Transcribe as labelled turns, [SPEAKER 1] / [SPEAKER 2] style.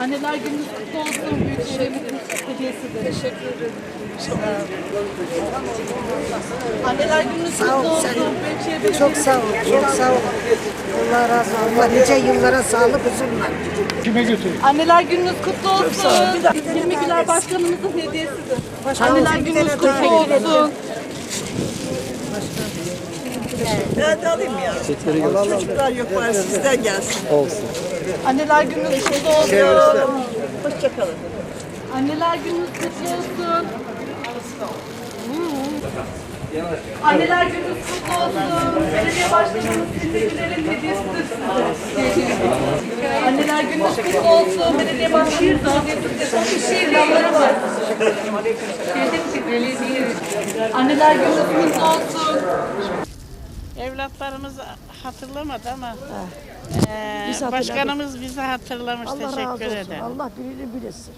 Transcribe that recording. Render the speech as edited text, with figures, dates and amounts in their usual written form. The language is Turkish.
[SPEAKER 1] Anneler gününüz kutlu olsun. Büyükşehirimizin hediyesidir. Teşekkür ederim. Anneler gününüz kutlu olsun. Büyükşehir
[SPEAKER 2] Çok sağ ol, çok sağ ol. Allah razı olsun. Allah nice yıllara sağlık, huzurla.
[SPEAKER 3] Kime götürüyor?
[SPEAKER 1] Anneler gününüz kutlu olsun. Hilmi Güler Başkanımızın hediyesidir. Anneler gününüz kutlu olsun.
[SPEAKER 4] Ben de alayım ya. Çocuklar yok var sizden gelsin.
[SPEAKER 1] Anneler gününüz kutlu olsun.
[SPEAKER 4] Hoşçakalın.
[SPEAKER 1] Anneler gününüz kutlu olsun. Anneler gününüz kutlu olsun. Belediye başkanımız Hilmi Güler'in hediyesidir size. Anneler gününüz kutlu olsun. Belediye başkanımız hediyesidir. Şehir yolları var. Anneler gününüz kutlu olsun.
[SPEAKER 5] Evlatlarımız hatırlamadı ama başkanımız bizi hatırlamış.
[SPEAKER 2] Allah razı
[SPEAKER 5] Teşekkür
[SPEAKER 2] olsun.
[SPEAKER 5] ederim.
[SPEAKER 2] Allah gününü bilesin.